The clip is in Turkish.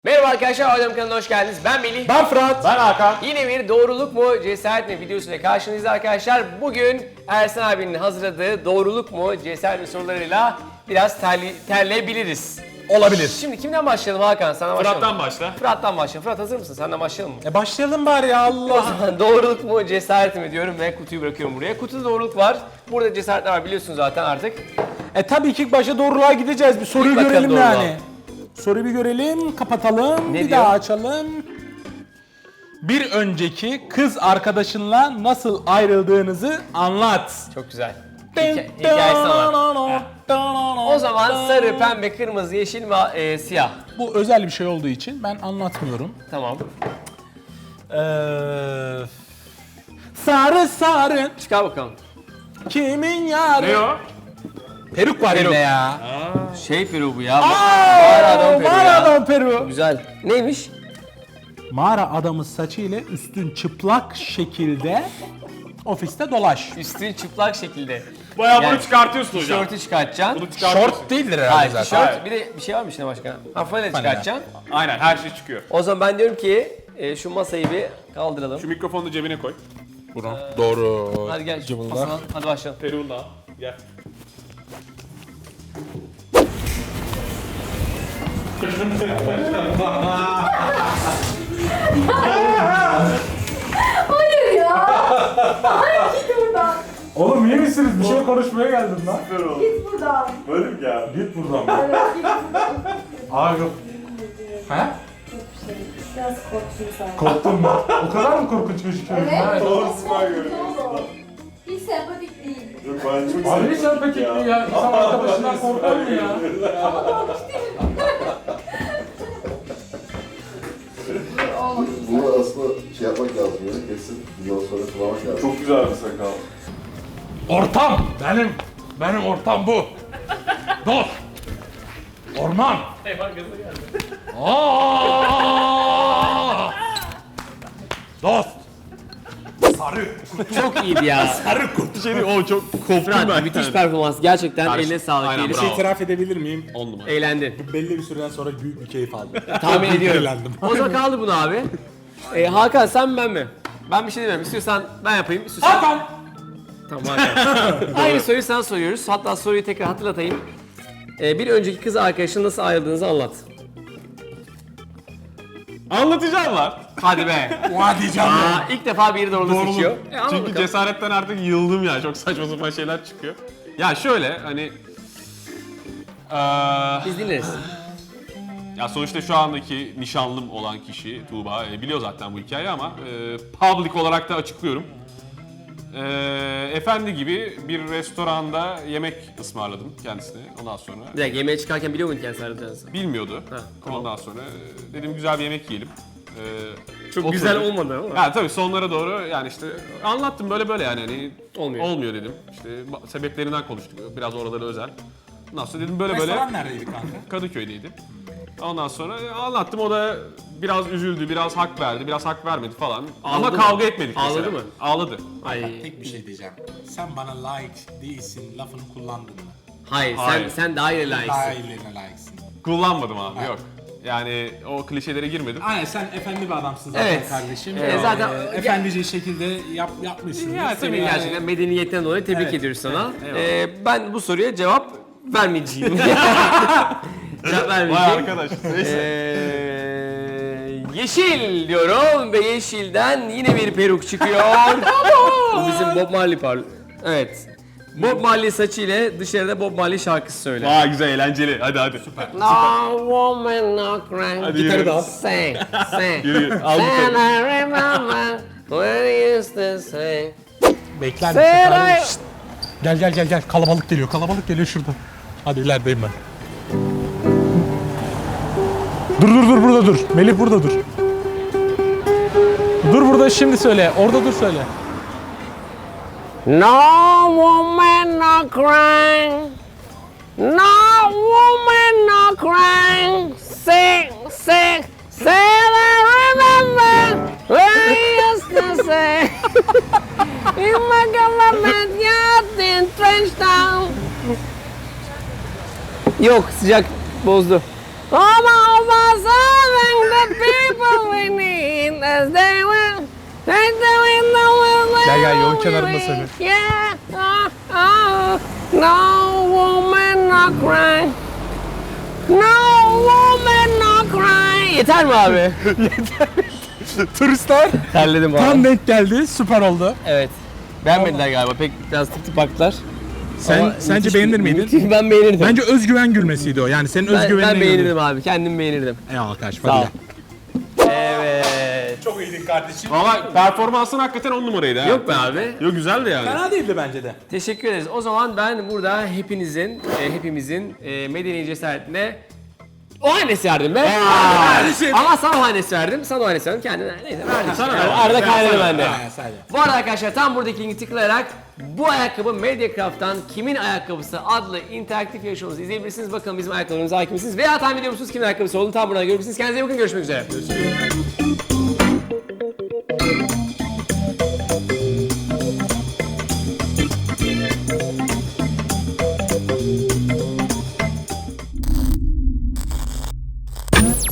Merhaba arkadaşlar, Adem kanalına hoş geldiniz. Ben Melih. Ben Fırat. Ben Hakan. Yine bir doğruluk mu, cesaret mi videosuyla karşınızdayız arkadaşlar. Bugün Ersan abinin hazırladığı doğruluk mu, cesaret mi sorularıyla biraz terleyebiliriz. Olabilir. Şimdi kimden başlayalım Hakan? Sana başlayalım. Fırat'tan başla. Fırat'tan başlayalım. Fırat hazır mısın? Senden başlayalım mı? Başlayalım bari ya Allah. Doğruluk mu, cesaret mi diyorum ve kutuyu bırakıyorum buraya. Kutuda doğruluk var. Burada cesaretler var biliyorsun zaten artık. Tabii ki ilk başta doğruluğa gideceğiz. Bir soruyu bakalım görelim doğruluğa. yani. Soruyu bir görelim, kapatalım, Ne bir diyor? daha açalım. Bir önceki kız arkadaşınla nasıl ayrıldığınızı anlat. Çok güzel. Hikayesi var. O zaman sarı, pembe, kırmızı, yeşil ve siyah. Bu özel bir şey olduğu için ben anlatmıyorum. Tamam. Sarı sarı Çıkar bakalım. kimin yarı? Ne o? Peruk var Peruk. yine ya. Şey Peru bu ya. Mağara adam Peru. Güzel. Neymiş? Mağara adamı saçıyla üstün çıplak şekilde ofiste dolaş. Üstün çıplak şekilde. Bayağı Yani bunu çıkartıyorsun hocam. Tişörtü çıkartacaksın. Bunu çıkartıyorsun. Short değildir herhalde Hayır, zaten. tişört. Hayır. Bir de bir şey var mı içinde başka? Fanile Fanile. çıkartacaksın. Aynen her şey çıkıyor. O zaman ben diyorum ki şu masayı bir kaldıralım. Şu mikrofonu da cebine koy. Bunu. Doğru. Hadi gel. Cıvıldak. Masadan. Hadi başlayalım. Peruğunu da al. Gel. Hayır ya. Hayır git buradan. Oğlum iyi misiniz? Bir şey konuşmaya geldim lan. Git buradan. Böyle mi geldi? Git buradan. Evet git buradan. Aa yok. He? Çok bir şey. Biraz korktum sen. Korktun mu? O kadar mı korkunç gözüküyorum? Evet. Doğrusu ben Korktum, görüyorum. ne oldu? Hiç sempatik değil. Yok ben çok Abi sen peki ya? İnsan arkadaşından korkar mı ya? Ama korkmuş değilim. Olmadı. Bunu aslında şey yapmak lazım yani kesin bundan sonra kullanmak lazım. Çok güzel bir sakal. Ortam! Benim ortam bu. Dost! Orman! Aa! Dost! Sarı! Çok iyiydi ya. Sarı kurt! Şey değil, o çok koptum Fırat müthiş performans. Gerçekten Karşı- eline sağlık. Aynen, diyelim. bravo. İtiraf edebilir miyim? 10 numara. Eğlendin. Belli bir süreden sonra büyük bir keyif aldım. Tahmin ediyorum. eğlendim. O zaman kaldı bunu abi. Hakan sen mi ben mi? Ben bir şey demiyorum. İstiyorsan ben yapayım. İstiyorsan... Hakan! Tamam Hakan. Aynı soruyu sana soruyoruz. Hatta soruyu tekrar hatırlatayım. Bir önceki kız arkadaşın nasıl ayrıldığınızı anlat. Anlatacağım var. Hadi be. Hadi canım. İlk defa biri doğruluğu seçiyor. Çünkü Anlat bakalım. cesaretten artık yıldım ya. Çok saçma sapan şeyler çıkıyor. Ya şöyle hani... Biz dinleriz. Ya sonuçta şu andaki nişanlım olan kişi Tuğba biliyor zaten bu hikayeyi ama public olarak da açıklıyorum. Efendi gibi bir restoranda yemek ısmarladım kendisine ondan sonra. Bir dakika yemeğe çıkarken biliyor muydun kendisi ayrılacağınızı? Bilmiyordu. tamam. Ondan sonra dedim güzel bir yemek yiyelim. Çok Oturduk. güzel olmadı ama. Ya tabii sonlara doğru yani işte anlattım böyle yani hani Olmuyor. dedim. İşte sebeplerinden konuştuk. Biraz oraları özel. Ondan sonra dedim böyle Restoran neredeydi kanka? Kadıköy'deydi. Ondan sonra anlattım o da biraz üzüldü, biraz hak verdi, biraz hak vermedi falan. Ama Ağladı kavga mı? etmedik Ağladı mesela. mı? Ağladı. Ay. Tek bir şey diyeceğim. Sen bana layık değilsin lafını kullandın mı? Hayır, Hayır. sen daha iyi layıksın. Ailelerine layıksın. Kullanmadım abi yok. Yani o klişelere girmedim. Aynen sen efendi bir adamsın zaten Evet. kardeşim. Zaten- efendice şekilde yapmışsın. Ya tabii Tabii gerçekten medeniyetten dolayı tebrik Evet, ediyoruz sana. evet, Ben bu soruya cevap vermeyeceğim. Cevap Vay vermeyeceğim. arkadaş. Neyse. Yeşil diyorum ve yeşilden yine bir peruk çıkıyor. Bu bizim Bob Marley Evet. Bob Marley saçıyla dışarıda Bob Marley şarkısı söyle. Vay güzel eğlenceli. Hadi. Süper. No woman no crying. Hadi yürü. Sing, sing. Yürü. Al bu And tabii. I remember when I used to say. Bekler Seray- misin? Gel. Kalabalık geliyor şurada. Hadi ilerideyim ben. Dur burada dur. Melih burada dur. Dur burada şimdi söyle. Orada dur söyle. No woman no crying. No woman no crying. Sing. And I remember when I used to say. In my government yacht in Trenchtown. Yok sıcak bozdu. All of us serving the people we need as they will. Gel gel yolun kenarında söyle. Yeah, no woman no cry. No woman no cry. Yeter mi abi? Turistler Terledim tam abi. denk geldi. Süper oldu. Evet. Beğenmediler galiba. Pek biraz tık tık baktılar. Ama Sence müthiş beğenir bir- miydin? müthiş- Ben beğenirdim. Bence özgüven gülmesiydi o. Yani senin özgüvenine ben beğenirdim abi. Kendim beğenirdim. Eyvallah kardeşim. Sağ ol. Hadi gel. Evet. Çok iyiydin kardeşim. Valla performansın hakikaten 10 numaraydı ha. Yok be abi. Yok güzeldi yani. Fena değildi bence de. Teşekkür ederiz. O zaman ben burada hepimizin medeni cesaretine o hanesi verdim be. Ama sana o hanesi verdim. Sana o hanesi verdim. Kendine neyse verdim. Sana Yani da. arada kaynadı bende. Sadece. Bu arada arkadaşlar tam buradaki linki tıklayarak bu ayakkabı Mediacraft'tan Kimin Ayakkabısı adlı interaktif yarışmamızı izleyebilirsiniz. Bakalım bizim ayakkabılarımıza hakim misiniz? Veya tahmin ediyor musunuz kimin ayakkabısı olduğunu tam buradan görebilirsiniz. Kendinize iyi bakın. Görüşmek üzere.